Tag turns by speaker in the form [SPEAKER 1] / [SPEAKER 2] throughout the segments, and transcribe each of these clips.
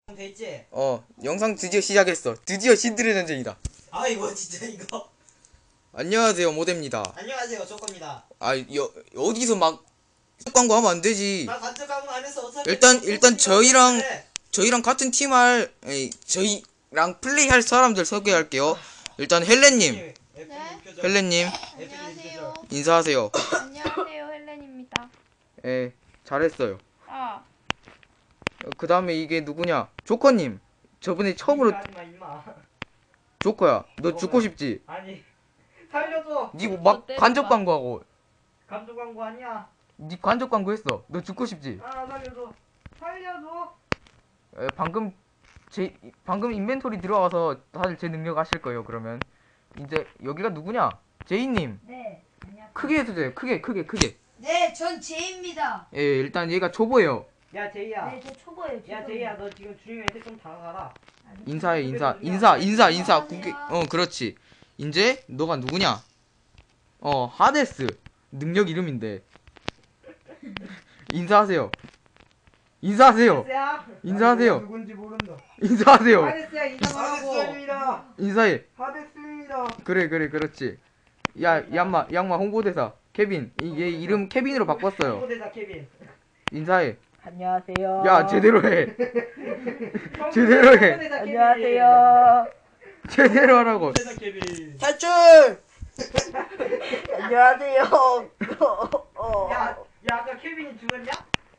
[SPEAKER 1] 됐지?
[SPEAKER 2] 영상 드디어 시작했어. 드디어 신들의 전쟁이다.
[SPEAKER 1] 아 이거 진짜 이거.
[SPEAKER 2] 안녕하세요, 모대입니다.
[SPEAKER 1] 안녕하세요, 조건입니다.
[SPEAKER 2] 어디서 막 광고하면 안 되지.
[SPEAKER 1] 나 간접 광고 안 했어. 어차피
[SPEAKER 2] 일단 저희랑 같은 저희랑 플레이할 사람들 소개할게요. 일단 헬렌님, 헬렌님
[SPEAKER 3] 안녕하세요.
[SPEAKER 2] 인사하세요.
[SPEAKER 3] 안녕하세요. 헬렌입니다.
[SPEAKER 2] 예, 잘했어요. 그 다음에 이게 누구냐? 조커님. 저번에 처음으로
[SPEAKER 1] 하지마 임마.
[SPEAKER 2] 조커야. 너 죽고 싶지?
[SPEAKER 1] 아니 살려줘.
[SPEAKER 2] 니 막 간접 광고하고.
[SPEAKER 1] 간접 광고 아니야.
[SPEAKER 2] 니 간접 광고 했어. 너 죽고 싶지?
[SPEAKER 1] 아 살려줘. 살려줘.
[SPEAKER 2] 방금 인벤토리 들어와서 다들 제 능력 아실 거예요. 그러면 이제 여기가 누구냐? 제이님.
[SPEAKER 4] 네, 안녕하세요.
[SPEAKER 2] 크게 해주세요. 크게.
[SPEAKER 4] 네, 전 제이입니다.
[SPEAKER 2] 예, 일단 얘가 초보예요.
[SPEAKER 1] 야 제이야.
[SPEAKER 4] 네, 저 초보예요.
[SPEAKER 1] 야 제이야, 너 지금 주인한테 좀 다가가라.
[SPEAKER 2] 인사.
[SPEAKER 4] 안녕하세요.
[SPEAKER 2] 그렇지. 이제 너가 누구냐? 하데스. 능력 이름인데. 인사하세요. 인사하세요.
[SPEAKER 1] 누군지 모른다.
[SPEAKER 2] 인사하세요.
[SPEAKER 1] 하데스야 인사하라고.
[SPEAKER 2] 인사해.
[SPEAKER 1] 하데스입니다.
[SPEAKER 2] 그래, 그렇지. 양마 홍보대사 케빈. 얘 이름 케빈으로 바꿨어요.
[SPEAKER 1] 홍보대사 케빈.
[SPEAKER 2] 인사해.
[SPEAKER 4] 안녕하세요.
[SPEAKER 2] 야, 제대로 해. 제대로 해.
[SPEAKER 1] 홍보대사 케빈.
[SPEAKER 4] 안녕하세요.
[SPEAKER 2] 제대로 하라고.
[SPEAKER 1] 홍보대사 케빈.
[SPEAKER 4] 탈출. 안녕하세요.
[SPEAKER 1] 야 아까 케빈이 죽었냐?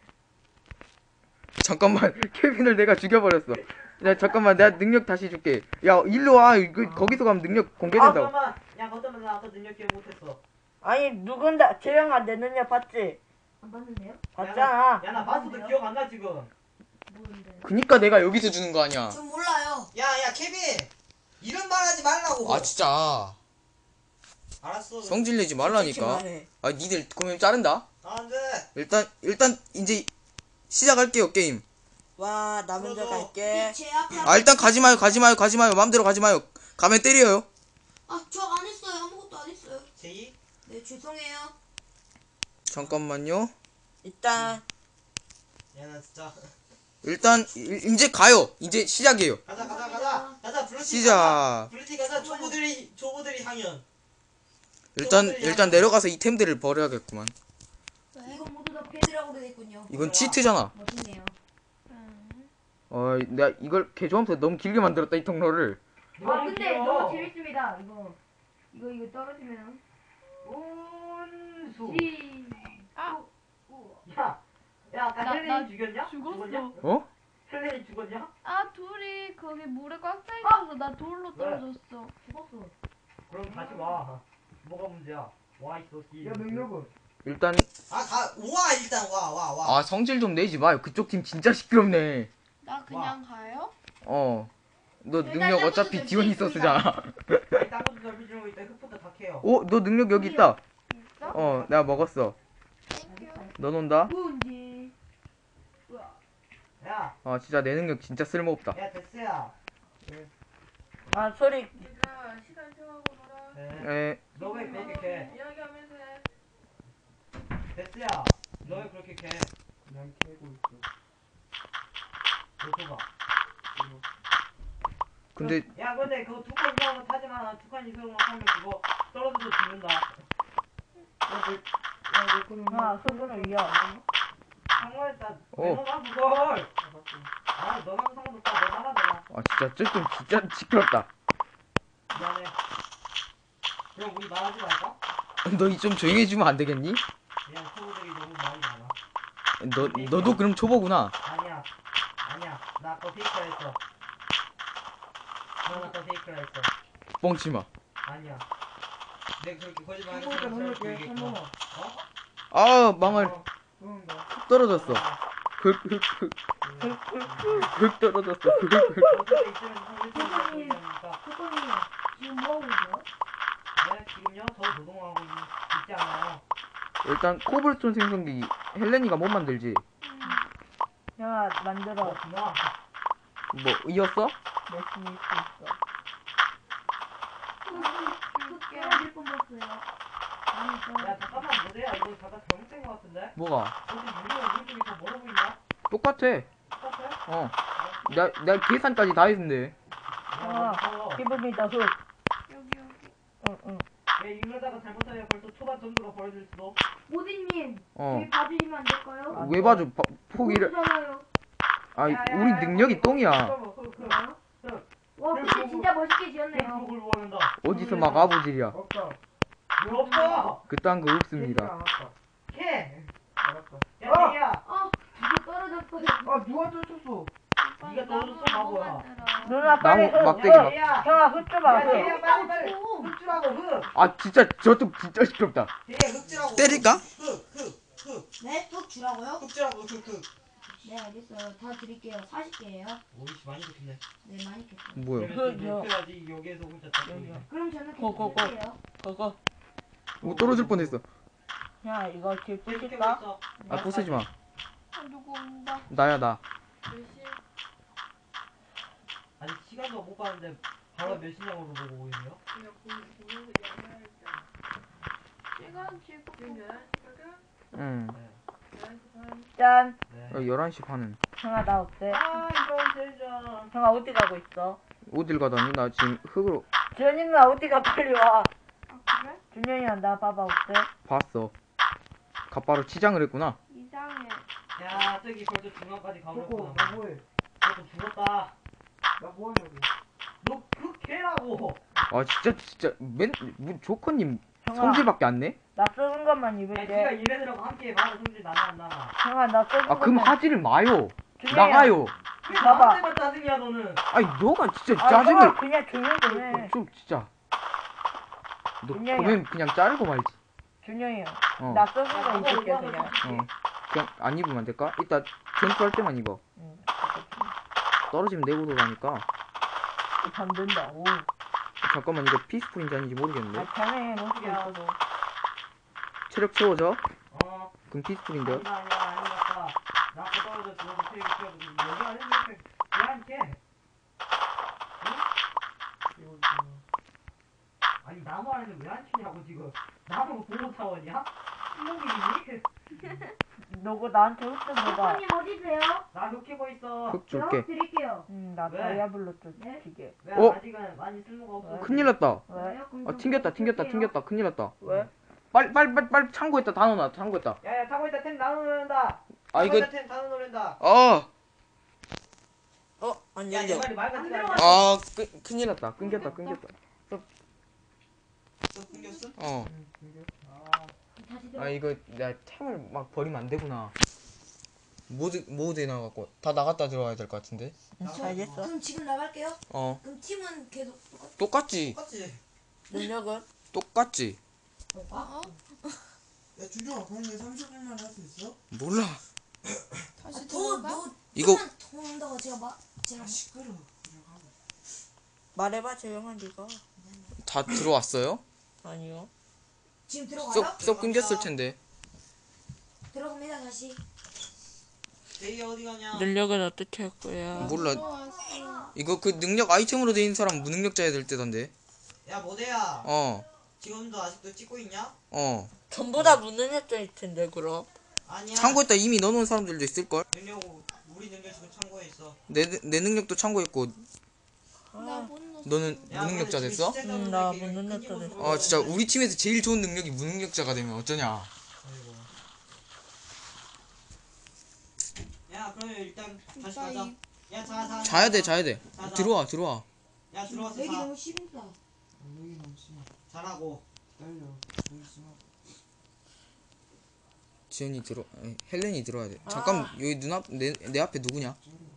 [SPEAKER 2] 잠깐만. 케빈을 내가 죽여버렸어. 야, 잠깐만. 내가 능력 다시 줄게. 야, 일로 와. 거기서 가면 능력 공개된다고.
[SPEAKER 1] 잠깐만. 야 거점은 나 아까 능력 기억 못했어.
[SPEAKER 4] 아니 누군다 재영아 내 능력 봤지? 안 봤는데요? 봤잖아.
[SPEAKER 1] 야 나 봤어도 기억 안 나 지금.
[SPEAKER 4] 모르는데.
[SPEAKER 2] 그니까 내가 여기서 주는 거 아니야.
[SPEAKER 4] 전 몰라요.
[SPEAKER 1] 야 케빈 이름 말하지 말라고.
[SPEAKER 2] 아, 진짜.
[SPEAKER 1] 알았어.
[SPEAKER 2] 성질 내지 말라니까. 아, 니들 그러면 자른다.
[SPEAKER 1] 안돼.
[SPEAKER 2] 일단 이제 시작할게요, 게임.
[SPEAKER 4] 와, 나 먼저 갈게.
[SPEAKER 2] 일단 가지 마요. 맘대로 가지 마요. 가면 때려요.
[SPEAKER 5] 저 안 했어요. 아무것도 안 했어요.
[SPEAKER 1] 제이.
[SPEAKER 5] 네, 죄송해요.
[SPEAKER 2] 잠깐만요.
[SPEAKER 4] 일단
[SPEAKER 1] 야 나 진짜.
[SPEAKER 2] 일단 이제 가요. 이제 시작이에요.
[SPEAKER 1] 가자. 블루티
[SPEAKER 2] 시작.
[SPEAKER 1] 가자. 블루티 가자. 초보들이 향연.
[SPEAKER 2] 일단 내려가서 이 템들을 버려야겠구만.
[SPEAKER 5] 이거 모두 다 패드라고 되겠군요.
[SPEAKER 2] 이건 치트잖아.
[SPEAKER 5] 멋있네요.
[SPEAKER 2] 내가 이걸 개조하면서 너무 길게 만들었다, 이 통로를.
[SPEAKER 4] 근데 너무 재밌습니다. 이거 떨어지면
[SPEAKER 1] 운수. 야 아까
[SPEAKER 3] 나
[SPEAKER 1] 헬렌이 죽였냐?
[SPEAKER 3] 죽었어.
[SPEAKER 2] 어?
[SPEAKER 1] 헬렌이 죽었냐?
[SPEAKER 3] 둘이 거기 물에 꽉 차 있어서 나 돌로 떨어졌어.
[SPEAKER 4] 죽었어.
[SPEAKER 1] 그럼 다시 와. 뭐가 문제야? 와 있어. 야 능력은?
[SPEAKER 2] 일단
[SPEAKER 1] 와 일단 와.
[SPEAKER 2] 성질 좀 내지 마요. 그쪽 팀 진짜 시끄럽네.
[SPEAKER 3] 나 그냥 가요?
[SPEAKER 2] 너 능력 어차피 디오니소스잖아.
[SPEAKER 1] 아니 딴 것도 넓히 주는 거 있다. 흙부터 다 캐요.
[SPEAKER 2] 너 능력 여기 있다.
[SPEAKER 3] 있어?
[SPEAKER 2] 내가 먹었어.
[SPEAKER 3] 땡큐.
[SPEAKER 2] 너 논다?
[SPEAKER 4] 뭔지.
[SPEAKER 1] 야
[SPEAKER 2] 진짜 내 능력 진짜 쓸모없다.
[SPEAKER 1] 데스야.
[SPEAKER 4] 아 소리.
[SPEAKER 3] 얘들아, 시간 채워고 놀아.
[SPEAKER 1] 너 왜 그렇게 캐?
[SPEAKER 3] 이야기하면서 해.
[SPEAKER 1] 데스야. 너 왜 그렇게 캐? 그냥 캐고 있어. 너 줘봐.
[SPEAKER 2] 근데
[SPEAKER 1] 근데 그거 두 칸 이상은 타지 마. 두 칸 이상만 하면 그거 떨어져서 죽는다.
[SPEAKER 4] 소금을 위야.
[SPEAKER 1] 상관없어. 왜 너만 그걸? 너만 상관없다. 너 나가.
[SPEAKER 2] 진짜 조금 진짜 시끄럽다.
[SPEAKER 1] 미안해. 그럼 우리 말하지 말까?
[SPEAKER 2] 너 좀 조용히 해주면 안 되겠니?
[SPEAKER 1] 그냥 초보들이 너무 말이 많아.
[SPEAKER 2] 너도 그럼 초보구나.
[SPEAKER 1] 아니야. 나 아까 페이크라 했어. 난 아까 페이크라 했어.
[SPEAKER 2] 뻥치마.
[SPEAKER 1] 아니야. 내가 그렇게 거짓말 하는 사람 얘기했구나.
[SPEAKER 2] 망할. 떨어졌어. 흙 떨어졌어.
[SPEAKER 1] 어차피 있으면 상대편이니까.
[SPEAKER 4] 소금이 지금 뭐 하고 있어요?
[SPEAKER 1] 네, 지금요? 저 노동하고 있지 않아요.
[SPEAKER 2] 일단 코블스톤 생성기 헬렌이가 못 만들지.
[SPEAKER 4] 야 만들어.
[SPEAKER 1] 그만.
[SPEAKER 2] 뭐 이었어?
[SPEAKER 4] 열심히 있어.
[SPEAKER 5] 떨어질 뻔했어요.
[SPEAKER 1] 야, 잠깐만, 뭐야? 이거 잠깐 잘못된 것 같은데?
[SPEAKER 2] 뭐가?
[SPEAKER 1] 근데 유리가 오른쪽이 더 멀어 보이냐?
[SPEAKER 2] 똑같아.
[SPEAKER 1] 똑같아?
[SPEAKER 2] 내가 계산까지 다 했는데.
[SPEAKER 4] 형아, 기분이다, 흙.
[SPEAKER 3] 여기 여기.
[SPEAKER 4] 응.
[SPEAKER 1] 얘 이러다가 잘못하면 벌써 초반 점수가 벌어질 수도.
[SPEAKER 5] 모디님,
[SPEAKER 2] 어.
[SPEAKER 5] 저희 봐주시면 안 될까요?
[SPEAKER 2] 왜 봐줘? 포기를.
[SPEAKER 5] 모르잖아요.
[SPEAKER 2] 아, 우리 능력이 똥이야.
[SPEAKER 5] 와, 근데 진짜 멋있게 지었네요.
[SPEAKER 1] 그걸 원한다.
[SPEAKER 2] 어디서 막 아부질이야.
[SPEAKER 1] 없다. 왜 없어?
[SPEAKER 2] 그딴 거 없습니다.
[SPEAKER 1] 캐.
[SPEAKER 6] 알았어.
[SPEAKER 1] 야, 걔야.
[SPEAKER 5] 누구 떨어졌어요?
[SPEAKER 6] 아 누가 쫓았어?
[SPEAKER 1] 네가 떨어졌어, 바보야.
[SPEAKER 4] 누나, 빨리
[SPEAKER 2] 나무
[SPEAKER 4] 흙.
[SPEAKER 2] 막대기 막.
[SPEAKER 1] 걔야.
[SPEAKER 4] 형아, 흙 줘봐,
[SPEAKER 1] 야,
[SPEAKER 4] 흙.
[SPEAKER 1] 걔야, 빨리. 흙주라고, 흙.
[SPEAKER 2] 아, 진짜 저도 진짜 시끄럽다.
[SPEAKER 1] 걔 흙주라고.
[SPEAKER 2] 때릴까?
[SPEAKER 1] 흙.
[SPEAKER 5] 네? 뚝 주라고요?
[SPEAKER 1] 흙주라고, 흙.
[SPEAKER 5] 네, 알겠어요. 다 드릴게요. 40개예요.
[SPEAKER 1] 오이씨, 많이 좋겠네.
[SPEAKER 5] 네, 많이 겠어요.
[SPEAKER 2] 뭐야?
[SPEAKER 1] 그래야지 여기에서 혼자 잡고 있네.
[SPEAKER 5] 그럼 저는
[SPEAKER 4] 고, 고,
[SPEAKER 5] 계속
[SPEAKER 4] 고.
[SPEAKER 5] 드릴게요.
[SPEAKER 4] 그거.
[SPEAKER 2] 오, 떨어질 뻔했어.
[SPEAKER 4] 야, 이거 길
[SPEAKER 1] 이렇게
[SPEAKER 4] 부실까?
[SPEAKER 1] 있어.
[SPEAKER 2] 아, 부수지 마.
[SPEAKER 3] 아, 누구 온다.
[SPEAKER 2] 나야, 나.
[SPEAKER 3] 몇 시?
[SPEAKER 1] 아니, 시간도 못 봤는데 바로 몇 시냐고 보고 오이네요?
[SPEAKER 3] 시간 지금
[SPEAKER 2] 응.
[SPEAKER 4] 짠.
[SPEAKER 1] 네.
[SPEAKER 2] 11시 반은.
[SPEAKER 4] 형아, 나 어때?
[SPEAKER 1] 아, 이거 진짜.
[SPEAKER 4] 형아, 어디 가고 있어?
[SPEAKER 2] 어딜 가다니? 나 지금 흙으로
[SPEAKER 4] 주현이 누나 어디가 빨리 와.
[SPEAKER 3] 아 그래?
[SPEAKER 4] 준현이야, 나 봐봐, 어때?
[SPEAKER 2] 봤어. 갓바로 치장을 했구나.
[SPEAKER 3] 이상해.
[SPEAKER 1] 야, 저기 벌써 중간까지
[SPEAKER 6] 저거
[SPEAKER 1] 가버렸구나.
[SPEAKER 6] 나 뭐해?
[SPEAKER 1] 저거 죽었다.
[SPEAKER 6] 나 뭐하냐고.
[SPEAKER 1] 너 그 개라고.
[SPEAKER 2] 아, 진짜, 조커님
[SPEAKER 4] 형아,
[SPEAKER 2] 성질밖에 안 내?
[SPEAKER 4] 나 쓰는 것만
[SPEAKER 1] 야,
[SPEAKER 4] 입을게.
[SPEAKER 1] 지가 얘네들하고 함께 말을 성질 나나 안 나나.
[SPEAKER 4] 형아, 나 쓰는
[SPEAKER 2] 아, 그럼
[SPEAKER 4] 것만.
[SPEAKER 2] 하지를 마요.
[SPEAKER 4] 준현이야.
[SPEAKER 2] 나가요.
[SPEAKER 1] 왜
[SPEAKER 4] 봐봐.
[SPEAKER 1] 나한테만 짜증이야, 너는?
[SPEAKER 2] 아니, 너가 진짜
[SPEAKER 4] 아, 형아,
[SPEAKER 2] 짜증을.
[SPEAKER 4] 그냥 조용히 좀 해.
[SPEAKER 2] 좀, 진짜. 너
[SPEAKER 4] 준영이야.
[SPEAKER 2] 보면 그냥 자르고 말지.
[SPEAKER 4] 준현이야.
[SPEAKER 2] 어.
[SPEAKER 4] 나 쓰는 거 입을게, 그냥.
[SPEAKER 2] 그냥 안 입으면 안 될까? 이따 전투할 때만 입어.
[SPEAKER 4] 응.
[SPEAKER 2] 떨어지면 내고 돌아가니까.
[SPEAKER 4] 안 된다. 오.
[SPEAKER 2] 잠깐만, 이거 피스풀인지 아닌지 모르겠는데.
[SPEAKER 4] 아, 자네 모습이 있어도.
[SPEAKER 2] 체력 채워져?
[SPEAKER 1] 어.
[SPEAKER 2] 그럼 피스풀인데.
[SPEAKER 1] 아니다, 아니다. 나 아까 떨어져 죽어서 피해 피해. 여기 안에 이렇게 왜안 캐? 아니 나무 안에는 왜 안 치냐고 지금. 나무 보호 사원이야? 신동이니?
[SPEAKER 4] 너가 나한테 흙좀 줘봐.
[SPEAKER 5] 님 어디세요?
[SPEAKER 1] 나 흑히고 있어.
[SPEAKER 2] 흙
[SPEAKER 5] 제가
[SPEAKER 2] 줄게.
[SPEAKER 5] 드릴게요.
[SPEAKER 4] 나
[SPEAKER 1] 왜?
[SPEAKER 4] 다이아블로 좀
[SPEAKER 5] 네?
[SPEAKER 4] 주게.
[SPEAKER 1] 왜
[SPEAKER 2] 어?
[SPEAKER 1] 아직은 많이 쓸모가 없어.
[SPEAKER 2] 큰일 났다.
[SPEAKER 4] 왜?
[SPEAKER 2] 아, 튕겼다. 큰일 났다.
[SPEAKER 4] 왜?
[SPEAKER 2] 빨리 창고에다 다 넣어놔. 창고에다.
[SPEAKER 1] 야야 타고 있다 템 나눠 놓는다.
[SPEAKER 2] 아, 이거.
[SPEAKER 1] 템다 나눠 놓는다.
[SPEAKER 4] 안
[SPEAKER 1] 야, 내 말이 말 같지가 않냐?
[SPEAKER 2] 큰일 났다. 끊겼다.
[SPEAKER 1] 또 끊겼어?
[SPEAKER 2] 어.
[SPEAKER 5] 다시
[SPEAKER 2] 아, 이거 내가 템을 막 버리면 안 되구나. 모드에 나가고 다 나갔다 들어와야 될 것 같은데.
[SPEAKER 4] 알겠어.
[SPEAKER 5] 그럼 지금 나갈게요.
[SPEAKER 2] 어.
[SPEAKER 5] 그럼 팀은 계속 똑같...
[SPEAKER 2] 똑같지.
[SPEAKER 1] 똑같지?
[SPEAKER 4] 능력은?
[SPEAKER 2] 똑같지.
[SPEAKER 3] 어?
[SPEAKER 6] 야 준종아 그럼 내 30분만 할 수 있어?
[SPEAKER 2] 몰라.
[SPEAKER 3] 다시
[SPEAKER 5] 더,
[SPEAKER 3] 들어가?
[SPEAKER 5] 너,
[SPEAKER 2] 이거-
[SPEAKER 5] 좀만 더 온다고 제가
[SPEAKER 6] 시끄러. 그냥 하고.
[SPEAKER 4] 말해봐, 재영아, 네가.
[SPEAKER 2] 다 들어왔어요?
[SPEAKER 4] 아니요.
[SPEAKER 5] 지금 들어가요?
[SPEAKER 2] 쏙 끊겼을 텐데.
[SPEAKER 5] 들어갑니다 다시.
[SPEAKER 1] 제이 어디 가냐?
[SPEAKER 4] 능력은 어떻게 할 거야?
[SPEAKER 2] 몰라.
[SPEAKER 3] 들어왔어.
[SPEAKER 2] 이거 그 능력 아이템으로 돼 있는 사람 무능력자야 될 때던데.
[SPEAKER 1] 야 모대야.
[SPEAKER 2] 어.
[SPEAKER 1] 지금도 아직도 찍고 있냐?
[SPEAKER 2] 어.
[SPEAKER 4] 전부 다 무능력자일 텐데, 그럼.
[SPEAKER 1] 아니야.
[SPEAKER 2] 창고에다 이미 넣어놓은 사람들도 있을걸?
[SPEAKER 1] 능력 우리 능력 지금 창고에 있어.
[SPEAKER 2] 내 능력도 창고에 있고.
[SPEAKER 3] 나못 넣었어.
[SPEAKER 2] 너는 무능력자 됐어?
[SPEAKER 4] 나 무능력자 됐어.
[SPEAKER 2] 아, 진짜 우리 팀에서 제일 좋은 능력이 무능력자가 되면 어쩌냐.
[SPEAKER 1] 아이고. 야 그러면 일단 다시
[SPEAKER 3] 나
[SPEAKER 1] 가자.
[SPEAKER 3] 이-
[SPEAKER 1] 야 자.
[SPEAKER 2] 자야 돼.
[SPEAKER 1] 자.
[SPEAKER 2] 들어와.
[SPEAKER 1] 야 들어와서
[SPEAKER 5] 여기
[SPEAKER 1] 자.
[SPEAKER 5] 너무 심다.
[SPEAKER 6] 여기 너무 심하.
[SPEAKER 1] 자라고.
[SPEAKER 6] 기다려. 여기 심하.
[SPEAKER 2] 지연이 헬렌이 들어와야 돼. 잠깐, 여기 내 앞에 누구냐?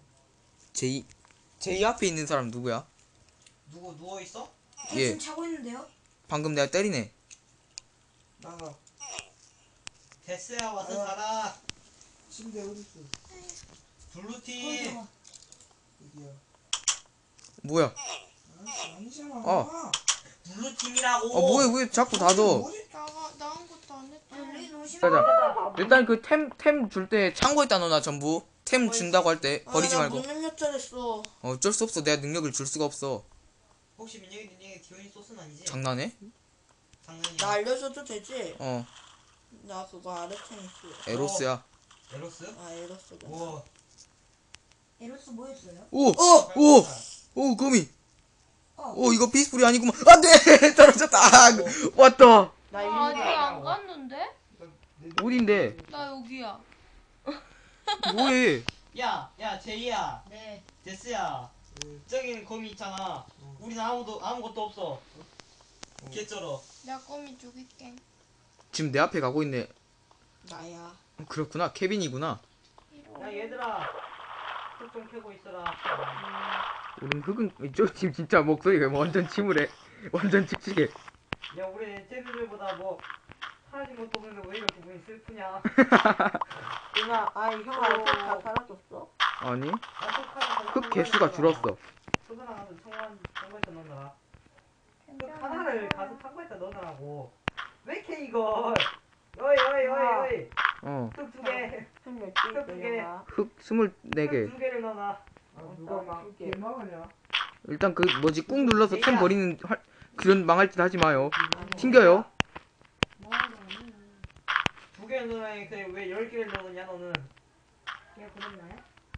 [SPEAKER 2] 제이 앞에 있는 사람 누구야?
[SPEAKER 1] 누구 누워 있어?
[SPEAKER 5] 저
[SPEAKER 2] 예.
[SPEAKER 5] 지금 자고 있는데요?
[SPEAKER 2] 방금 내가 때리네.
[SPEAKER 6] 나가.
[SPEAKER 1] 데스야 와서 자라.
[SPEAKER 6] 침대 어디 있어?
[SPEAKER 1] 블루팀.
[SPEAKER 6] 여기야.
[SPEAKER 2] 뭐야?
[SPEAKER 6] 아니잖아.
[SPEAKER 2] 어.
[SPEAKER 1] 블루팀이라고.
[SPEAKER 2] 왜 자꾸 다 줘?
[SPEAKER 6] 뭐지?
[SPEAKER 3] 나온 것도 안 했잖아.
[SPEAKER 5] 여기 너무 심다.
[SPEAKER 2] 가자. 일단 그 템 줄 때 창고에다 넣어놔, 전부. 템 준다고 할 때 버리지 말고.
[SPEAKER 4] 무능력자 됐어.
[SPEAKER 2] 어쩔 수 없어. 내가 능력을 줄 수가 없어.
[SPEAKER 1] 혹시 민혁이 디오니 소스는 아니지?
[SPEAKER 2] 장난해?
[SPEAKER 1] 장난이야.
[SPEAKER 4] 나 알려줘도 되지?
[SPEAKER 2] 어.
[SPEAKER 4] 나 그거 아르테미스.
[SPEAKER 2] 에로스야.
[SPEAKER 1] 에로스?
[SPEAKER 4] 아, 에로스가.
[SPEAKER 1] 우와.
[SPEAKER 5] 에로스 뭐였어요?
[SPEAKER 2] 오, 거미.
[SPEAKER 5] 어.
[SPEAKER 2] 이거 피스풀이 아니구만. 안 돼! 떨어졌다. 왔다.
[SPEAKER 4] 나
[SPEAKER 3] 아, 아직
[SPEAKER 4] 이미
[SPEAKER 3] 안 갔는데?
[SPEAKER 2] 어딘데?
[SPEAKER 3] 나 여기야.
[SPEAKER 2] 뭐해?
[SPEAKER 1] 야 제이야
[SPEAKER 5] 네.
[SPEAKER 1] 데스야 저기는 거미 있잖아 우리는 아무것도 없어 개쩔어
[SPEAKER 3] 나 꼬미 죽일게.
[SPEAKER 2] 지금 내 앞에 가고 있네.
[SPEAKER 4] 나야.
[SPEAKER 2] 그렇구나. 케빈이구나.
[SPEAKER 1] 야 얘들아 흙 좀 캐고 있어라
[SPEAKER 2] 우린 흑은 지금 진짜 목소리가 완전 침울해. 완전 칙칙해.
[SPEAKER 1] 야 우리 쟤들보다 뭐 사라진 것도 없는데 왜 이렇게 기분이 슬프냐
[SPEAKER 4] 누나, 형아 다 사라졌어?
[SPEAKER 2] 아니, 흑 개수가 줄었어.
[SPEAKER 1] 소변아 가서 청구해서 넣어놔라 흙 하나를 가서 창고에다 넣어놔라고 왜 이렇게 이걸 어이 흙 두개
[SPEAKER 4] 형 몇개
[SPEAKER 1] 흙 두 개.
[SPEAKER 4] 있어,
[SPEAKER 2] 흑 24개.
[SPEAKER 1] 두 개를 넣어놔
[SPEAKER 6] 누가 막 개망하냐?
[SPEAKER 2] 일단 그 뭐지 꾹 눌러서 템 버리는 그런 망할 짓 하지 마요. 튕겨요.
[SPEAKER 1] 두 개를 넣어놔야 왜 10개를 넣었냐 너는
[SPEAKER 5] 제가 그랬나요?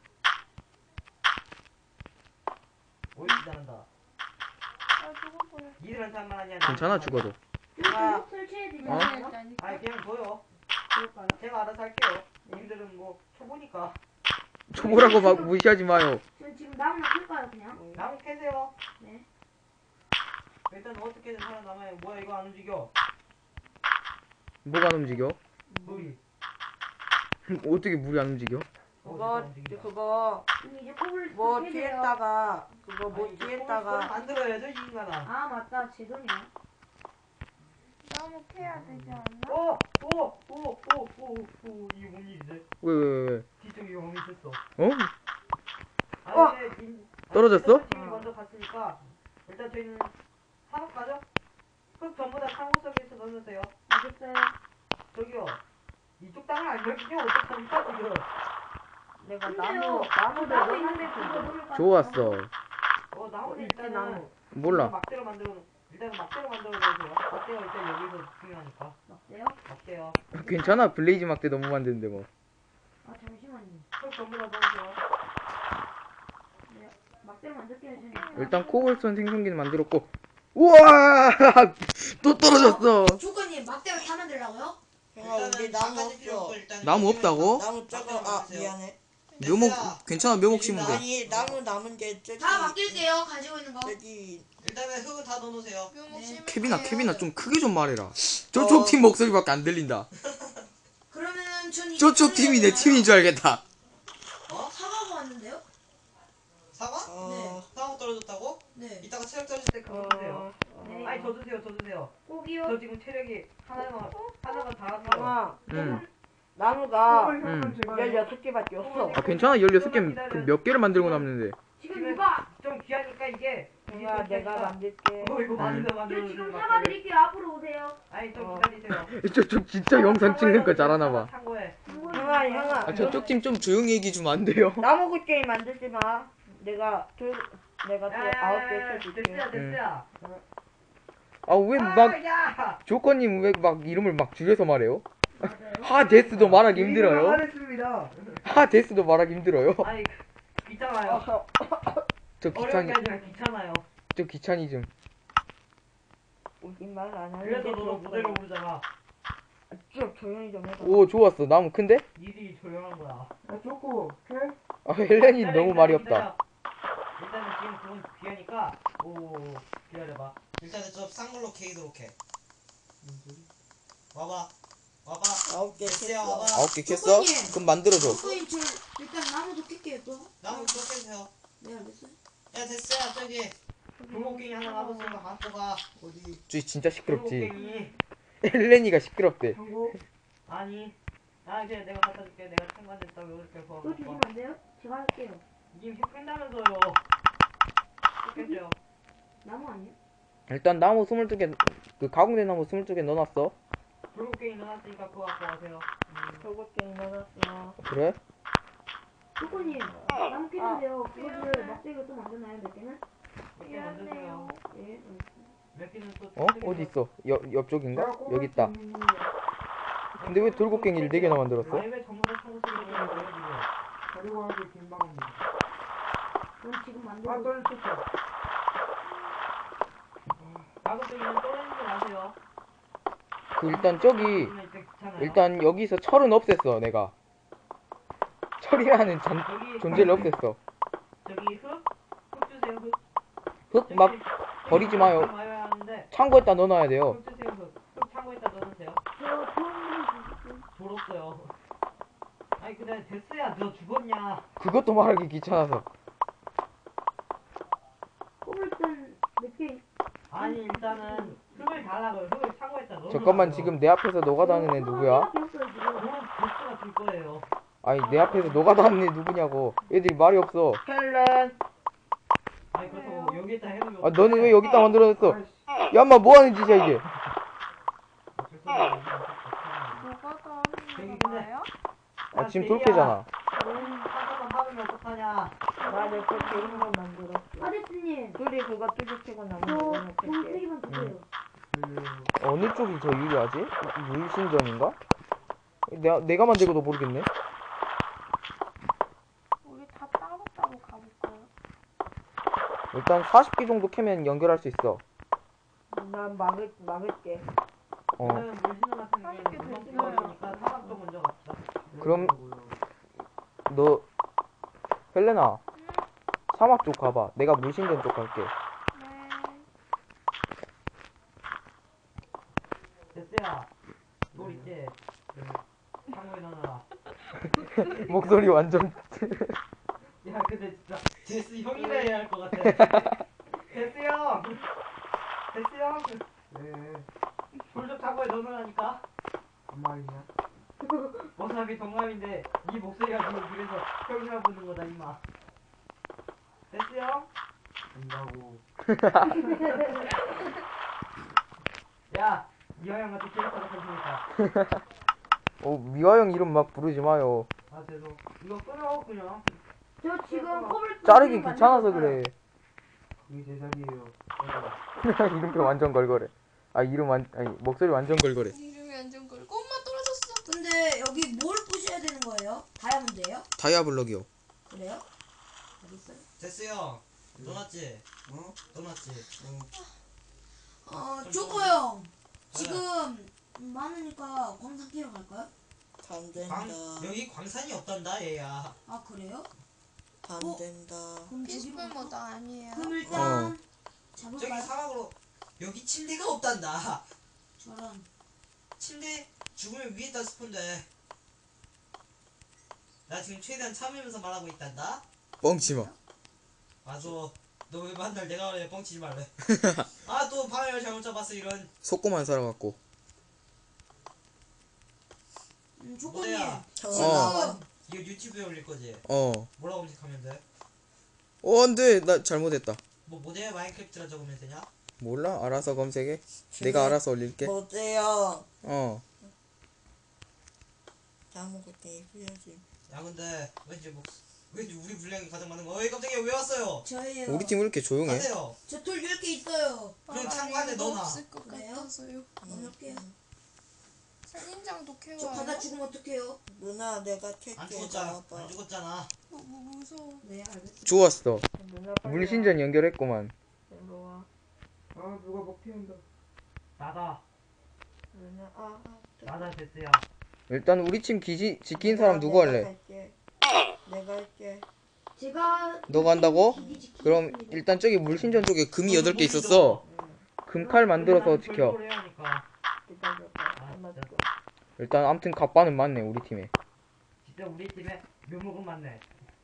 [SPEAKER 1] 옳지 잘한다
[SPEAKER 3] 아, 죽어버려.
[SPEAKER 1] 니들한테 한 말 하냐
[SPEAKER 2] 괜찮아 죽어도.
[SPEAKER 1] 아,
[SPEAKER 4] 설치해드릴까요?
[SPEAKER 2] 어?
[SPEAKER 1] 아니 그냥 둬요 제가 알아서 할게요 님들은 뭐 초보니까
[SPEAKER 2] 초보라고 막 무시하지 마요.
[SPEAKER 5] 전 지금 나무나 클까요 그냥?
[SPEAKER 1] 나무 캐세요
[SPEAKER 5] 네.
[SPEAKER 1] 일단 어떻게든 살아남아요 뭐야 이거 안 움직여
[SPEAKER 2] 뭐가 안 움직여?
[SPEAKER 1] 물이
[SPEAKER 2] 어떻게 물이 안 움직여?
[SPEAKER 4] 그거
[SPEAKER 5] 이제 코블
[SPEAKER 4] 뭐 뒤에다가 그거 뭐
[SPEAKER 1] 아니,
[SPEAKER 4] 뒤에다가
[SPEAKER 1] 만들어야죠 이 인간아
[SPEAKER 5] 아 맞다 제 돈이야.
[SPEAKER 3] 나무 캐야 되지 않나?
[SPEAKER 1] 이게 뭔 일이지
[SPEAKER 2] 왜?
[SPEAKER 1] 뒤쪽에 용이 있었어
[SPEAKER 2] 어?
[SPEAKER 1] 아 근데
[SPEAKER 2] 떨어졌어?
[SPEAKER 1] 팀이 먼저 갔으니까 일단 저희는 산업 가죠? 흙 전부 다 창고 속에서 넣어주세요
[SPEAKER 5] 알겠어요.
[SPEAKER 1] 저기요 이쪽 땅을 알려주면 어떡합니까 지금
[SPEAKER 4] 내가
[SPEAKER 5] 근데요.
[SPEAKER 4] 나무를
[SPEAKER 5] 나무 있는데 그거 놓을까?
[SPEAKER 2] 좋았어.
[SPEAKER 1] 나무는
[SPEAKER 4] 있지,
[SPEAKER 1] 일단은
[SPEAKER 4] 나무.
[SPEAKER 2] 몰라.
[SPEAKER 1] 막대로 만들어 놓으세요 막대가 일단 여기서 중요하니까
[SPEAKER 5] 맞대요?
[SPEAKER 1] 막대요
[SPEAKER 2] 괜찮아. 블레이즈 막대 너무 만드는데 뭐.
[SPEAKER 5] 아 잠시만요.
[SPEAKER 1] 흙 전부 다 넣으세요
[SPEAKER 5] 막대로 만들게요 저는.
[SPEAKER 2] 일단 코블스톤 생성기는 만들었고. 우와! 또 떨어졌어.
[SPEAKER 5] 조건님 막대를 다 만들라고요?
[SPEAKER 4] 형아 우리 나무 없어.
[SPEAKER 2] 나무 없다고?
[SPEAKER 4] 나무 저거 미안해.
[SPEAKER 2] 묘목 괜찮아. 묘목 심으면 돼.
[SPEAKER 4] 아니 나무 남은 게 저기
[SPEAKER 5] 다 맡길게요 가지고 있는 거.
[SPEAKER 4] 저기
[SPEAKER 1] 일단은 흙은 다 넣어놓으세요
[SPEAKER 3] 묘목
[SPEAKER 5] 네.
[SPEAKER 3] 심을게요.
[SPEAKER 2] 케빈아 좀 크게 좀 말해라. 저쪽 팀 목소리밖에 안 들린다.
[SPEAKER 5] 그러면은 전 이제
[SPEAKER 2] 저쪽 팀이 내 팀인 줄 알겠다.
[SPEAKER 5] 사과가 왔는데요?
[SPEAKER 1] 사과?
[SPEAKER 4] 어
[SPEAKER 1] 사과 떨어졌다고?
[SPEAKER 5] 네.
[SPEAKER 1] 이따가 체력 떨어질 때 그거 주세요
[SPEAKER 5] 네.
[SPEAKER 1] 아니 저 주세요
[SPEAKER 5] 꼭이요.
[SPEAKER 1] 저 지금 체력이 하나가 다 왔어요
[SPEAKER 4] 형아
[SPEAKER 2] 응.
[SPEAKER 4] 나무가
[SPEAKER 2] 응.
[SPEAKER 4] 16개밖에 없어.
[SPEAKER 2] 아 괜찮아. 16개 몇 개를 만들고 남는데.
[SPEAKER 5] 지금 누가?
[SPEAKER 1] 좀 귀하니까 이게
[SPEAKER 4] 형아 내가 만들게.
[SPEAKER 1] 이거 만들어
[SPEAKER 5] 저 지금 사과 드릴게요. 앞으로 오세요.
[SPEAKER 1] 아니 좀
[SPEAKER 4] 어.
[SPEAKER 1] 기다리세요
[SPEAKER 2] 저쪽 진짜 영상 찍는 거 잘하나 봐.
[SPEAKER 1] 참고해
[SPEAKER 4] 형아
[SPEAKER 2] 아 저쪽 팀 좀 조용히 얘기 좀 안 돼요?
[SPEAKER 4] 나무 굿게임 만들지 마. 내가 또 9개 쳐줄게.
[SPEAKER 1] 됐어야
[SPEAKER 2] 아 왜 막 조건님 왜 막 이름을 막 줄여서 말해요? 하데스도 말하기 힘들어요.
[SPEAKER 1] 하겠습니다
[SPEAKER 2] 하데스도 말하기 힘들어요.
[SPEAKER 1] 아니 귀찮아요
[SPEAKER 2] 저
[SPEAKER 1] 어려운
[SPEAKER 2] 귀찮이
[SPEAKER 1] 게 아니라 귀찮아요
[SPEAKER 2] 저 귀차니즘.
[SPEAKER 4] 우리 말안
[SPEAKER 1] 그래서
[SPEAKER 4] 하는데
[SPEAKER 1] 너도 무대로 부르잖아
[SPEAKER 4] 좀 조용히 좀 해봐.
[SPEAKER 2] 오 좋았어. 나무 큰데?
[SPEAKER 1] 니들이 조용한 거야
[SPEAKER 6] 좋고
[SPEAKER 2] 아 헬렌이 너무 말이 없다.
[SPEAKER 1] 일단은 지금 그건 귀하니까 기다려봐 일단은 저 쌍걸로 케이도록 해 와봐
[SPEAKER 4] 9개
[SPEAKER 1] 됐어요
[SPEAKER 4] 쳤어.
[SPEAKER 1] 와봐
[SPEAKER 2] 9개 캤어? 그럼 만들어줘.
[SPEAKER 5] 조건님 저 일단 나무도 낄게요 또.
[SPEAKER 1] 나무 또 깨주세요
[SPEAKER 5] 네 알겠어요.
[SPEAKER 1] 야 됐어요 저기 돌고갱이 하나 남았으니까 갖고 가
[SPEAKER 6] 어디
[SPEAKER 2] 저 진짜 시끄럽지.
[SPEAKER 1] 돌고갱이
[SPEAKER 2] 헬렌이가 시끄럽대.
[SPEAKER 6] 한국
[SPEAKER 1] 아니 그냥 내가 갖다 줄게 내가 참관됐다고 이렇게 해서
[SPEAKER 5] 그거 주시면 안 돼요? 제가 할게요.
[SPEAKER 1] 님 캔다면서요 캔줘요
[SPEAKER 5] 나무 아니에요?
[SPEAKER 2] 일단 나무 22개 그 가공된 나무 22개 넣어놨어.
[SPEAKER 1] 돌고갱이 넣어놨으니까 그거 갖고 가세요
[SPEAKER 4] 돌고갱이 넣어놨어.
[SPEAKER 2] 그래?
[SPEAKER 5] 조건님 나무 깼는데요. 그거를 막대기로 또 만드나요 몇 개는?
[SPEAKER 1] 몇개 만드세요
[SPEAKER 5] 예.
[SPEAKER 1] 몇 개는 또
[SPEAKER 2] 어? 어디 있어? 옆쪽인가? 여기 있다. 근데 왜 돌고갱이를 4개나 만들었어?
[SPEAKER 1] 아니 왜 전부 다 청구 쓰기 때문에 지금
[SPEAKER 6] 자료하기 김방입니다.
[SPEAKER 5] 전 지금
[SPEAKER 1] 아,
[SPEAKER 5] 만들고
[SPEAKER 1] 떨어졌어 가급적이면 떨어지지 마세요.
[SPEAKER 2] 그 일단 저기
[SPEAKER 1] 그러면 이제 귀찮아요.
[SPEAKER 2] 일단 여기서 철은 없앴어 내가. 철이라는
[SPEAKER 1] 저기
[SPEAKER 2] 존재를 없앴어.
[SPEAKER 1] 저기 흙 주세요. 흙.
[SPEAKER 2] 흙 막
[SPEAKER 1] 저기
[SPEAKER 2] 버리지 마요.
[SPEAKER 1] 흙 많이 하는데
[SPEAKER 2] 창고에다 넣어놔야 돼요.
[SPEAKER 1] 흙 주세요. 흙 창고에다 넣어놓으세요.
[SPEAKER 5] 저 도움을 주십시오.
[SPEAKER 1] 돌 없어요. 아니 근데 데스야 너 죽었냐?
[SPEAKER 2] 그것도 말하기 귀찮아서.
[SPEAKER 5] 코블스톤 몇개
[SPEAKER 1] 아니 일단은 흙을 달라고요. 흙을 창고에다 넣어.
[SPEAKER 2] 잠깐만 지금 내 앞에서 노가다하는 애 누구야?
[SPEAKER 5] 없어요 지금.
[SPEAKER 1] 그럼 데스가 줄 거예요.
[SPEAKER 2] 아니 내 앞에서 노가다하는 애 누구냐고. 애들이 말이 없어.
[SPEAKER 4] 헬렌.
[SPEAKER 1] 아니 그렇다고 여기에다 해놓으면
[SPEAKER 2] 아 너는 왜 여기다 만들어놨어? 야 인마 뭐하는 짓이야 이게.
[SPEAKER 3] 뭐가 더
[SPEAKER 1] 저기
[SPEAKER 3] 하는
[SPEAKER 1] 근데-
[SPEAKER 3] 거예요?
[SPEAKER 2] 아 지금 돌패잖아.
[SPEAKER 1] 한번만 박으면 어떡하냐?
[SPEAKER 4] 나내 그렇게 이런 걸 만들었어.
[SPEAKER 5] 아저씨님
[SPEAKER 4] 둘이 그거 뚜지치고 나면
[SPEAKER 5] 저
[SPEAKER 4] 이거는 뺄게.
[SPEAKER 5] 방세기만 주세요.
[SPEAKER 2] 어느 쪽이 더 유리하지? 물신전인가? 내가 만들고도 모르겠네.
[SPEAKER 3] 우리 다 따로따로 가볼까요?
[SPEAKER 2] 일단 40개 정도 캐면 연결할 수 있어.
[SPEAKER 4] 난 막을게.
[SPEAKER 2] 어.
[SPEAKER 1] 저는 물신호 같은 경우에는
[SPEAKER 3] 맛있게
[SPEAKER 1] 금방
[SPEAKER 3] 됐어요.
[SPEAKER 1] 찍어버리니까 사막 쪽 먼저 갑시다.
[SPEAKER 2] 그럼 너 헬레나 사막 쪽 가봐. 내가 물신전 쪽 갈게.
[SPEAKER 3] 네.
[SPEAKER 1] 데스야 돌 있지? 창고에 넣어놔라.
[SPEAKER 2] 목소리 완전
[SPEAKER 1] 야 근데 진짜 데스 형이라 해야 할 것 같아. 데스 형! 데스 형!
[SPEAKER 6] 네.
[SPEAKER 1] 돌좀 창고에 넣어놓으라니까.
[SPEAKER 6] 한 마리냐?
[SPEAKER 1] 어차피 동갑인데 네 목소리가 지금 그래서 형이라 부르는 거다 임마. 데스 형?
[SPEAKER 6] 된다고.
[SPEAKER 1] 야! 이화영 같은 캐릭터가 생기니까.
[SPEAKER 2] 미화영 이름 막 부르지 마요.
[SPEAKER 1] 아 죄송. 이거 끊어 그냥.
[SPEAKER 5] 저 지금 코블스톤
[SPEAKER 2] 자르기 귀찮아서 그래.
[SPEAKER 6] 그게 제 자리에요.
[SPEAKER 2] 이름표 완전 걸거래. 아 아니 목소리 완전 걸거래.
[SPEAKER 3] 이름이 완전 걸고 엄마 떨어졌어.
[SPEAKER 7] 근데 여기 뭘 부셔야 되는 거예요? 다이아몬드예요?
[SPEAKER 2] 다이아블럭이요.
[SPEAKER 7] 그래요? 알겠어요.
[SPEAKER 1] 데스 형! 넣어놨지?
[SPEAKER 6] 어?
[SPEAKER 1] 넣어놨지?
[SPEAKER 7] 쪼코 형. 지금 많으니까 광산 캐러 갈까요?
[SPEAKER 8] 안 된다.
[SPEAKER 1] 여기 광산이 없단다 얘야.
[SPEAKER 7] 아 그래요?
[SPEAKER 8] 안 된다.
[SPEAKER 7] 그럼 저기로
[SPEAKER 3] 피스풀
[SPEAKER 7] 갈까?
[SPEAKER 3] 모드 아니에요?
[SPEAKER 7] 그럼 일단
[SPEAKER 1] 저기
[SPEAKER 7] 잡을까요?
[SPEAKER 1] 사막으로 여기 침대가 없단다.
[SPEAKER 7] 저런.
[SPEAKER 1] 침대 죽으면 위에다 스폰돼. 나 지금 최대한 참으면서 말하고 있단다.
[SPEAKER 2] 뻥치마.
[SPEAKER 1] 맞아. 너 왜 만날 내가 그래 뻥치지 말래. 아 또 방향을 잘못 잡았어 이런.
[SPEAKER 2] 속고만 살아갖고.
[SPEAKER 7] 조건님.
[SPEAKER 1] 뭐야?
[SPEAKER 7] 지금
[SPEAKER 1] 이거 유튜브에 올릴 거지?
[SPEAKER 2] 어.
[SPEAKER 1] 뭐라고 검색하면 돼?
[SPEAKER 2] 안돼 나 잘못했다.
[SPEAKER 1] 뭐 모델 마인크래프트라 적으면 되냐?
[SPEAKER 2] 몰라 알아서 검색해. 내가 알아서 올릴게.
[SPEAKER 8] 못해요.
[SPEAKER 2] 어.
[SPEAKER 8] 아무것도 해야지.
[SPEAKER 1] 야 근데 왠지 우리 분량이 가장 많은 거. 어이 깜짝이야 왜 왔어요?
[SPEAKER 7] 저예요.
[SPEAKER 2] 우리 팀 왜 이렇게 조용해?
[SPEAKER 1] 가세요.
[SPEAKER 7] 저 돌 10개 있어요.
[SPEAKER 1] 그럼 창고 안에 넣어놔.
[SPEAKER 3] 없을 것
[SPEAKER 7] 그래요?
[SPEAKER 3] 같아서요.
[SPEAKER 7] 넣을게요.
[SPEAKER 3] 살인장도
[SPEAKER 7] 저
[SPEAKER 3] 캐와요?
[SPEAKER 7] 바다 죽으면 어떡해요?
[SPEAKER 8] 누나 내가
[SPEAKER 1] 안
[SPEAKER 8] 택해
[SPEAKER 1] 죽었잖아.
[SPEAKER 8] 나와봐.
[SPEAKER 1] 안 죽었잖아.
[SPEAKER 3] 무서워.
[SPEAKER 7] 네 알겠습니다.
[SPEAKER 2] 좋았어.
[SPEAKER 4] 누나 빨리
[SPEAKER 2] 물신전 연결했구만.
[SPEAKER 4] 와. 일로 와.
[SPEAKER 6] 아 누가 먹 피운다.
[SPEAKER 1] 나다.
[SPEAKER 4] 누나
[SPEAKER 1] 나다 데스야.
[SPEAKER 2] 일단 우리 팀 지킨 사람 누구 할래?
[SPEAKER 8] 내가 할게.
[SPEAKER 5] 제가
[SPEAKER 2] 너가 한다고?
[SPEAKER 5] 기기 지키겠습니다.
[SPEAKER 2] 그럼 일단 저기 물신전 쪽에 금이 8개 있었어. 금칼 만들어서 지켜.
[SPEAKER 1] 별도로 해야 하니까.
[SPEAKER 4] 기다려봐.
[SPEAKER 1] 아,
[SPEAKER 4] 엄마
[SPEAKER 1] 진짜.
[SPEAKER 2] 일단 아무튼 갑바는 많네 우리 팀에.
[SPEAKER 1] 진짜 우리 팀에 묘목은 많네.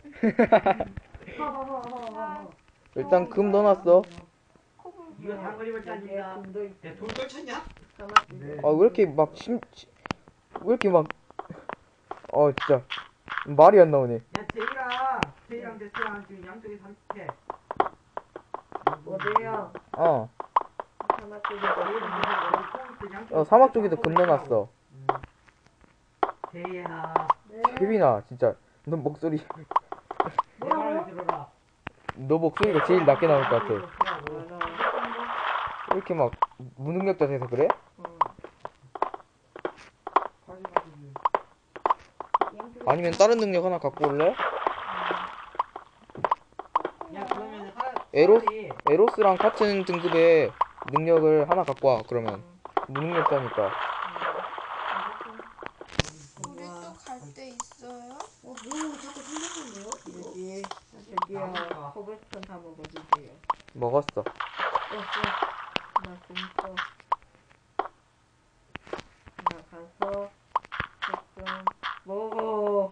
[SPEAKER 2] 일단 금 넣어놨어.
[SPEAKER 1] 이거 장거리 발전입니다.
[SPEAKER 4] 돈도 있
[SPEAKER 1] 야, 돌 떨쳤냐?
[SPEAKER 6] 네.
[SPEAKER 2] 아 왜 이렇게 막 왜 이렇게 막 진짜 말이 안 나오네.
[SPEAKER 1] 야, 제이랑 데스랑 지금 양쪽에 30개.
[SPEAKER 4] 어디야? 사막 쪽에
[SPEAKER 2] 사막 쪽에도 금 넣어놨어.
[SPEAKER 1] 제이야,
[SPEAKER 2] 혜빈아 진짜 너 목소리
[SPEAKER 1] 내 말을 들어라.
[SPEAKER 2] 너 목소리가 제일 낮게 나올 것 같아.
[SPEAKER 1] 같아.
[SPEAKER 2] 왜 이렇게 막 무능력자 돼서 그래?
[SPEAKER 6] 다시 가지지.
[SPEAKER 2] 아니면 다른 능력 하나 갖고 올래?
[SPEAKER 1] 야,
[SPEAKER 2] 에로스랑 같은 등급의 능력을 하나 갖고 와. 그러면 무능력자니까.
[SPEAKER 3] 우리 또 갈 데 있어요?
[SPEAKER 7] 뭐 자꾸 생겼는데요?
[SPEAKER 8] 여기
[SPEAKER 4] 저기요. 코블스톤 다 먹어주세요.
[SPEAKER 2] 먹었어.
[SPEAKER 4] 나 진짜. 나 가서 좀 먹어.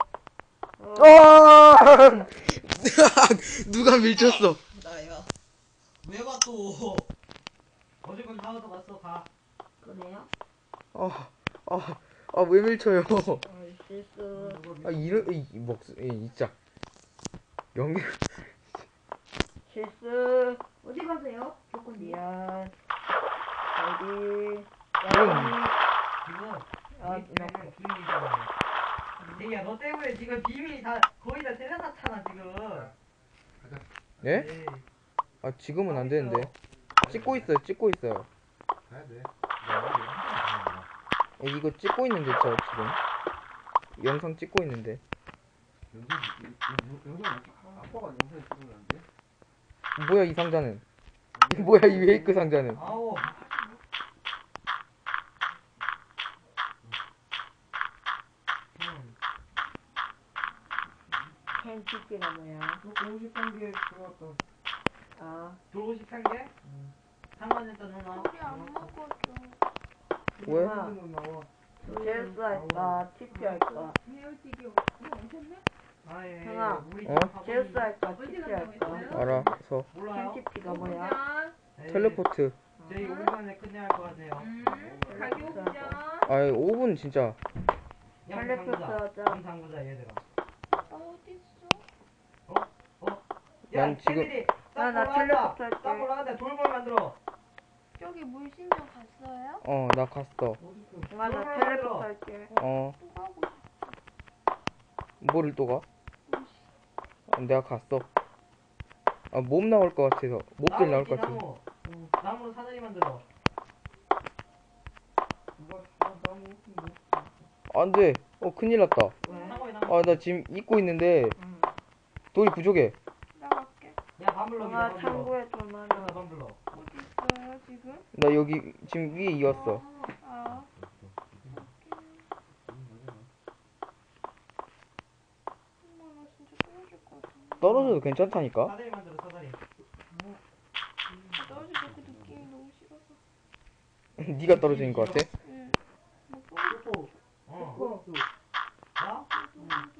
[SPEAKER 2] 누가 밀쳤어?
[SPEAKER 8] 나야.
[SPEAKER 6] 왜 봐 또?
[SPEAKER 1] 어쨌건 다 얻어갔어. 가.
[SPEAKER 5] 그래요?
[SPEAKER 2] 왜 밀쳐요?
[SPEAKER 4] 실수.
[SPEAKER 2] 진짜. 연기.
[SPEAKER 4] 실수.
[SPEAKER 5] 어디 가세요? 조건님.
[SPEAKER 4] 미안. 어디?
[SPEAKER 1] 지금
[SPEAKER 4] 아,
[SPEAKER 1] 우리 때문에 비밀이잖아. 얘야 너 때문에 지금 비밀이 다 거의 다 세려놨잖아 지금.
[SPEAKER 2] 예?
[SPEAKER 1] 네.
[SPEAKER 2] 아 지금은 안 되는데. 찍고 있어요.
[SPEAKER 6] 가야 돼.
[SPEAKER 2] 이거 찍고 있는데 저 지금 영상 찍고 있는데.
[SPEAKER 6] 영상 아빠가 영상 찍으면 안 돼?
[SPEAKER 2] 뭐야 이 상자는? 뭐야 이 웨이크 상자는?
[SPEAKER 1] 아우.
[SPEAKER 4] 캔치즈가 뭐야?
[SPEAKER 6] 53개 들어왔다.
[SPEAKER 4] 아,
[SPEAKER 1] 돌고 싶은 게? 상관했다 누나.
[SPEAKER 3] 우리 안 먹어줘.
[SPEAKER 2] 왜?
[SPEAKER 6] 나와.
[SPEAKER 4] 실수 할까? TP 할까?
[SPEAKER 1] 아 예.
[SPEAKER 4] 형아,
[SPEAKER 1] 우리
[SPEAKER 2] 어?
[SPEAKER 4] 실수 할까? TP 할까?
[SPEAKER 2] 알아서.
[SPEAKER 1] 몰라요?
[SPEAKER 4] 캔치피가 뭐야?
[SPEAKER 1] 네.
[SPEAKER 2] 텔레포트.
[SPEAKER 1] 저희 5분에 끝내야 할 것 같네요.
[SPEAKER 3] 가기 오자.
[SPEAKER 2] 5분 진짜.
[SPEAKER 4] 텔레포트 하자.
[SPEAKER 1] 양상구자 얘들아.
[SPEAKER 3] 어딨어?
[SPEAKER 1] 야,
[SPEAKER 2] 난 지금-
[SPEAKER 1] 걔들이
[SPEAKER 4] 나
[SPEAKER 1] 딱
[SPEAKER 4] 텔레포트 할게.
[SPEAKER 1] 딱 올라간다. 돌볼 만들어.
[SPEAKER 3] 저기 물신전 갔어요?
[SPEAKER 2] 나 갔어.
[SPEAKER 4] 나 텔레포트 할게.
[SPEAKER 2] 어,
[SPEAKER 3] 또 가고 싶어.
[SPEAKER 2] 뭐를 또 가? 내가 갔어. 몸 나올 것 같아서. 몹들 나올 것 같아서.
[SPEAKER 1] 나무. 나무로 사다리 만들어.
[SPEAKER 2] 안 돼. 큰일 났다.
[SPEAKER 1] 상호에 나무.
[SPEAKER 2] 나 지금 입고 있는데 돌이 부족해.
[SPEAKER 3] 나 갈게.
[SPEAKER 1] 야, 밤블럭.
[SPEAKER 4] 나 창고에 돈 하나.
[SPEAKER 1] 밤블럭.
[SPEAKER 3] 어디 있어요 지금?
[SPEAKER 2] 나 여기 지금 위에 이었어.
[SPEAKER 3] 아. 엄마 나 진짜 떨어질 것 같아.
[SPEAKER 2] 떨어져도 괜찮다니까?
[SPEAKER 1] 사다리 만들어, 사다리.
[SPEAKER 3] 떨어질 때 그 느낌이 너무 싫어서.
[SPEAKER 2] 네가 떨어지는 것 같아?
[SPEAKER 3] 응. 뭐 떨어질
[SPEAKER 1] 어. 나? 나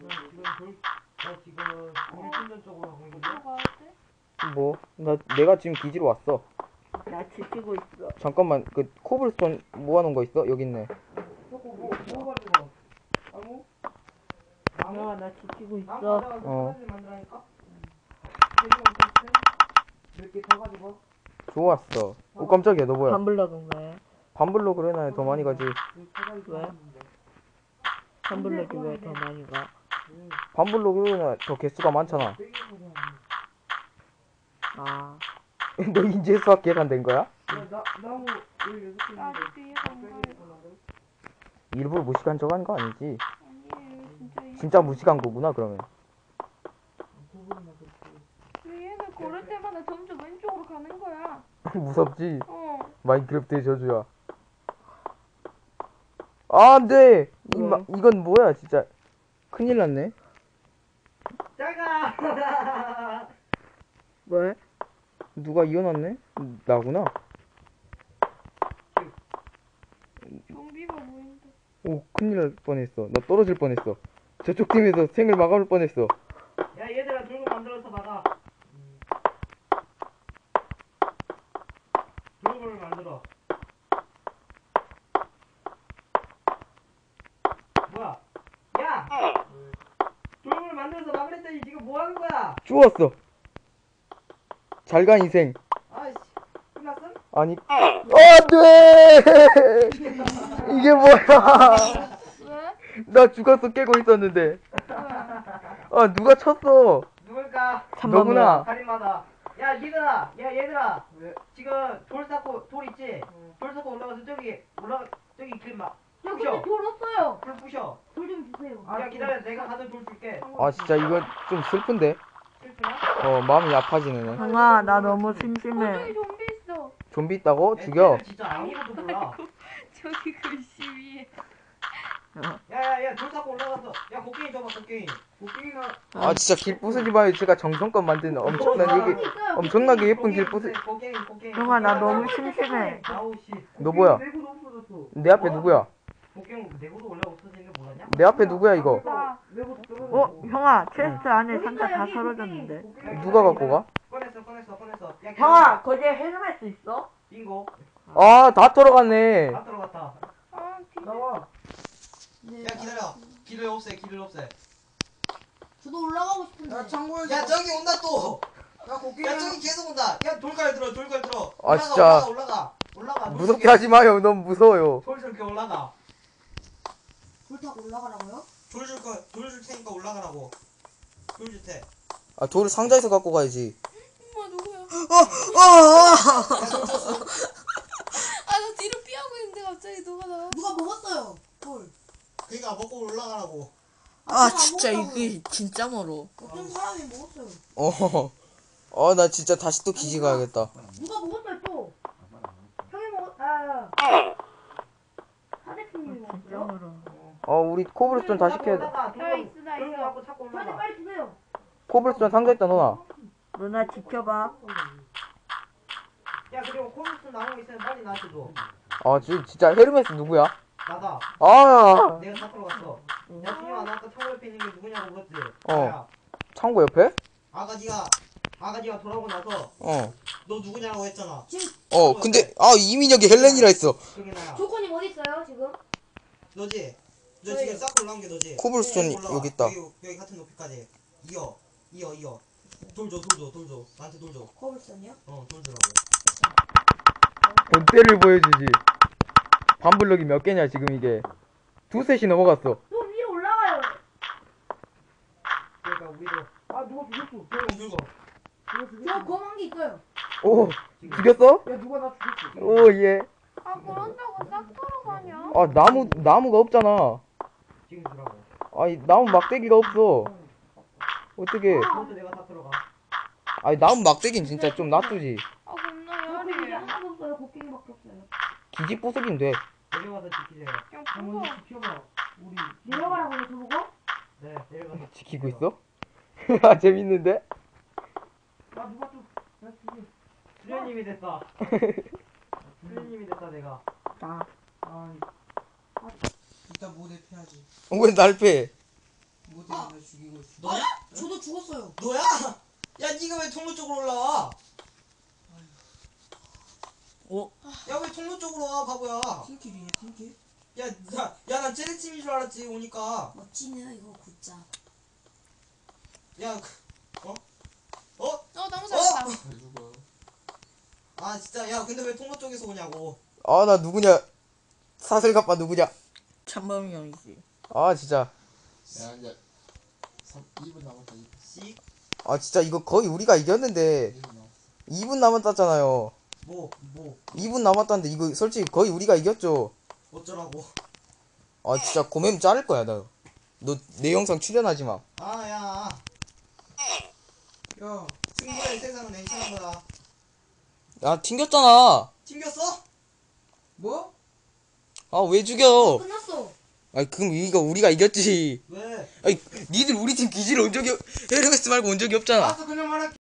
[SPEAKER 1] 지금 돌신전 쪽으로 가고 있는데.
[SPEAKER 3] 거 가야 돼?
[SPEAKER 2] 내가 지금 기지로 왔어.
[SPEAKER 4] 나 지치고 있어.
[SPEAKER 2] 잠깐만, 코블스톤 모아놓은 거 있어? 여기 있네.
[SPEAKER 1] 뭐 가지고? 나무?
[SPEAKER 4] 나 지치고
[SPEAKER 1] 나무
[SPEAKER 4] 있어.
[SPEAKER 1] 가져가서 사다리 만들라니까? 몇개 더 가지고?
[SPEAKER 2] 좋았어. 깜짝이야, 너 뭐야?
[SPEAKER 4] 반블럭은 왜?
[SPEAKER 2] 반블록을 해놔야 더 많이 가지.
[SPEAKER 4] 왜? 반블럭이 왜 더 많이 가?
[SPEAKER 2] 반블록을 해놔야 더 개수가 많잖아.
[SPEAKER 4] 아,
[SPEAKER 2] 너 이제 수학 계산된 거야?
[SPEAKER 6] 나무 16개
[SPEAKER 3] 나 아직 이해가 안 가요.
[SPEAKER 2] 일부러 무식한 척 하는 거 아니지?
[SPEAKER 3] 아니에요 진짜 이해.
[SPEAKER 2] 진짜 무식한 거구나, 그러면.
[SPEAKER 3] 왜 얘는 걸을 때마다 점점 왼쪽으로 가는 거야?
[SPEAKER 2] 무섭지?
[SPEAKER 3] 어.
[SPEAKER 2] 마인크래프트의 저주야. 안 돼! 이건 뭐야, 진짜. 큰일 났네.
[SPEAKER 1] 작아!
[SPEAKER 4] 왜?
[SPEAKER 2] 누가 이어놨네? 나구나.
[SPEAKER 3] 좀비가 보인다.
[SPEAKER 2] 오, 큰일 날 뻔했어. 나 떨어질 뻔했어. 저쪽 팀에서 생을 마감할 뻔했어.
[SPEAKER 1] 야, 얘들아, 돌고 만들어서 막아. 돌고를 만들어. 뭐야? 야! 돌고를 만들어서 막으랬더니 지금 뭐 하는 거야?
[SPEAKER 2] 죽었어. 잘 가, 인생.
[SPEAKER 1] 아이씨, 끝났음?
[SPEAKER 2] 아니, 안 돼! 이게 뭐야?
[SPEAKER 3] 왜?
[SPEAKER 2] 나 죽었어, 깨고 있었는데. 누가 쳤어?
[SPEAKER 1] 누굴까?
[SPEAKER 2] 너구나.
[SPEAKER 1] 살인마다. 야, 얘들아. 지금 돌 있지? 돌 쌓고 올라가서 저기
[SPEAKER 5] 저
[SPEAKER 1] 부셔.
[SPEAKER 5] 근데 돌 없어요.
[SPEAKER 1] 불 부셔.
[SPEAKER 5] 돌 좀 주세요.
[SPEAKER 1] 야, 기다려. 내가 가는 돌 줄게.
[SPEAKER 2] 진짜 이거 좀 슬픈데?
[SPEAKER 1] 슬프나?
[SPEAKER 2] 마음이 아파지네.
[SPEAKER 4] 형아 나 너무 심심해.
[SPEAKER 3] 저기 좀비 있어.
[SPEAKER 2] 좀비 있다고? 죽여.
[SPEAKER 1] 애들은 진짜 아무것도 몰라.
[SPEAKER 3] 저기 글씨 위에.
[SPEAKER 1] 야야야 돌 쌓고 올라가서 야 곡괭이 줘봐 곡괭이.
[SPEAKER 5] 곡괭이가
[SPEAKER 2] 아 진짜 길 부수지 마요. 제가 정성껏 만든 엄청나게 예쁜 길 부수.
[SPEAKER 1] 곡괭이.
[SPEAKER 4] 형아 나 너무 심심해.
[SPEAKER 1] 아우 씨.
[SPEAKER 2] 너 뭐야?
[SPEAKER 5] 내구도 없어졌어.
[SPEAKER 2] 내 앞에 누구야?
[SPEAKER 1] 곡괭이 내구도 원래 없어지는 거 몰랐냐?
[SPEAKER 2] 내 앞에 누구야 이거?
[SPEAKER 5] 내구도 떨어졌어.
[SPEAKER 4] 어 형아 체스트 안에 상자 다 썰어졌는데.
[SPEAKER 2] 누가 갖고 가?
[SPEAKER 1] 꺼냈어. 야,
[SPEAKER 4] 형아 거기에 헬멧 있어?
[SPEAKER 1] 빙고.
[SPEAKER 2] 아 다 털어갔네.
[SPEAKER 1] 다 들어갔다.
[SPEAKER 3] 아, 뒤져.
[SPEAKER 5] 나와.
[SPEAKER 7] 네.
[SPEAKER 1] 야 기다려. 길을 없애.
[SPEAKER 7] 저도 올라가고 싶은데.
[SPEAKER 6] 야 창고에서
[SPEAKER 1] 야 저기 온다 또.
[SPEAKER 5] 야 곡괭이.
[SPEAKER 1] 야 저기 계속 온다. 야 돌갈 들어.
[SPEAKER 2] 아, 진짜.
[SPEAKER 1] 올라가.
[SPEAKER 2] 무섭게 하지 마요. 너무 무서워요.
[SPEAKER 1] 돌줄게 올라가.
[SPEAKER 7] 돌 타고 올라가라고요?
[SPEAKER 1] 돌줄 테니까 올라가라고. 돌줄 테.
[SPEAKER 2] 아 돌을 상자에서 갖고 가야지.
[SPEAKER 3] 엄마 누구야?
[SPEAKER 1] 야 돌 줬어.
[SPEAKER 3] 아, 나 뒤로 피하고 있는데 갑자기 누가 나와?
[SPEAKER 7] 누가 먹었어요? 돌.
[SPEAKER 1] 그러니까 먹고 올라가라고.
[SPEAKER 8] 아
[SPEAKER 7] 제가
[SPEAKER 8] 진짜
[SPEAKER 7] 먹었다고요.
[SPEAKER 8] 이게 진짜 멀어.
[SPEAKER 7] 어떤 사람이 먹었어요.
[SPEAKER 2] 나 진짜 다시 또 기지 가야겠다.
[SPEAKER 7] 누가 먹었어요 또?
[SPEAKER 5] 형이 먹었. 사대표님이 먹었어요?
[SPEAKER 2] 우리 코블스톤 다시 캐야 돼.
[SPEAKER 1] 올라가.
[SPEAKER 3] 야, 있어, 나
[SPEAKER 1] 돌
[SPEAKER 3] 있어.
[SPEAKER 1] 갖고 찾고
[SPEAKER 5] 저한테
[SPEAKER 1] 올라가.
[SPEAKER 5] 빨리 주세요.
[SPEAKER 2] 코블스톤 상자 있다 너나.
[SPEAKER 4] 누나 지켜봐.
[SPEAKER 1] 야 그리고 코블스톤 나온 거 있으면 빨리 나한테 줘.
[SPEAKER 2] 진짜 헤르메스 누구야?
[SPEAKER 1] 나다.
[SPEAKER 2] 아
[SPEAKER 1] 내가 다 들어갔어. 야 준영아 나 아까 창고 옆에 있는 게 누구냐고 물었지?
[SPEAKER 2] 어.
[SPEAKER 1] 나야.
[SPEAKER 2] 창고 옆에?
[SPEAKER 1] 아가지가 돌아오고 나서 너 누구냐고 했잖아.
[SPEAKER 2] 근데 이민혁이 헬렌이라 했어.
[SPEAKER 1] 그게 나야.
[SPEAKER 5] 조코님 어디 있어요 지금?
[SPEAKER 1] 너지? 너 지금 쌓고 올라온 게 너지?
[SPEAKER 2] 코블스톤
[SPEAKER 1] 올라와.
[SPEAKER 2] 여기 있다.
[SPEAKER 1] 여기 같은 높이까지. 이어. 돌 줘. 나한테 돌 줘.
[SPEAKER 7] 거울선이요?
[SPEAKER 1] 돌 주라고.
[SPEAKER 2] 본때를 보여주지. 반블럭이 몇 개냐 지금 이게. 두셋이 넘어갔어.
[SPEAKER 5] 또 위로 올라가요.
[SPEAKER 1] 그러니까 우리도
[SPEAKER 5] 아 누가 죽였어?
[SPEAKER 1] 늙어.
[SPEAKER 7] 저 검은 게 있어요.
[SPEAKER 2] 오 죽였어?
[SPEAKER 5] 야 누가 나 죽였어?
[SPEAKER 2] 오 예.
[SPEAKER 3] 아, 그런다고 싹 털어가냐?
[SPEAKER 2] 나무가 없잖아.
[SPEAKER 1] 지금 주라고.
[SPEAKER 2] 나무 막대기가 없어. 어떻게?
[SPEAKER 1] 그것도 내가 다 들어가.
[SPEAKER 2] 나무 막대기는 진짜 좀 놔두지.
[SPEAKER 3] 아, 겁나
[SPEAKER 5] 조코님 이제
[SPEAKER 3] 열이.
[SPEAKER 5] 하나도 없어요. 곡괭이밖에 없어요.
[SPEAKER 2] 기지 부수긴 돼.
[SPEAKER 1] 내려가서 지키세요.
[SPEAKER 3] 야,
[SPEAKER 5] 아,
[SPEAKER 3] 무서워.
[SPEAKER 5] 먼저 지켜봐. 우리 내려가라고요 저보고?
[SPEAKER 1] 네, 내려가서
[SPEAKER 2] 지키고 있어? 아 재밌는데?
[SPEAKER 5] 아 누가 좀. 야 죽여.
[SPEAKER 1] 수련님이 됐다. 수련님이 됐다 내가.
[SPEAKER 4] 나.
[SPEAKER 6] 이따 모대 패야지.
[SPEAKER 2] 왜 날 패?
[SPEAKER 6] 모대 나 죽이고 있어.
[SPEAKER 1] 너야?
[SPEAKER 7] 저도 죽었어요.
[SPEAKER 1] 너야? 야 니가 왜 통로 쪽으로 올라와? 야 왜 통로 쪽으로 와 바보야?
[SPEAKER 6] 팀킬이냐 팀킬?
[SPEAKER 1] 야난 쟤네팀인 줄 알았지 오니까.
[SPEAKER 7] 멋지네요 이거 굿자.
[SPEAKER 1] 야
[SPEAKER 3] 나무 잡았다.
[SPEAKER 6] 누가?
[SPEAKER 1] 아 진짜 야 근데 왜 통로 쪽에서 오냐고.
[SPEAKER 2] 나 누구냐? 사슬갑바 누구냐?
[SPEAKER 8] 참범이 형이지.
[SPEAKER 2] 진짜.
[SPEAKER 6] 야 이제 2분 남았다 2분.
[SPEAKER 1] 씩.
[SPEAKER 2] 진짜 이거 거의 우리가 이겼는데
[SPEAKER 6] 2분 남았어.
[SPEAKER 2] 2분 남았잖아요.
[SPEAKER 1] 뭐
[SPEAKER 2] 2분 남았다는데 이거 솔직히 거의 우리가 이겼죠.
[SPEAKER 1] 어쩌라고.
[SPEAKER 2] 진짜 고매면 자를 거야 나. 너 내 영상 출연하지 마.
[SPEAKER 1] 야
[SPEAKER 6] 야
[SPEAKER 1] 승부의 세상은 냉철한 거다.
[SPEAKER 2] 야 튕겼잖아.
[SPEAKER 1] 튕겼어?
[SPEAKER 6] 뭐?
[SPEAKER 2] 왜 죽여?
[SPEAKER 7] 끝났어.
[SPEAKER 2] 그럼 이거 우리가 이겼지.
[SPEAKER 1] 왜?
[SPEAKER 2] 니들 우리 팀 기지를 온 적이 헤르메스 말고 온 적이 없잖아.
[SPEAKER 6] 알았어 그냥 말할게.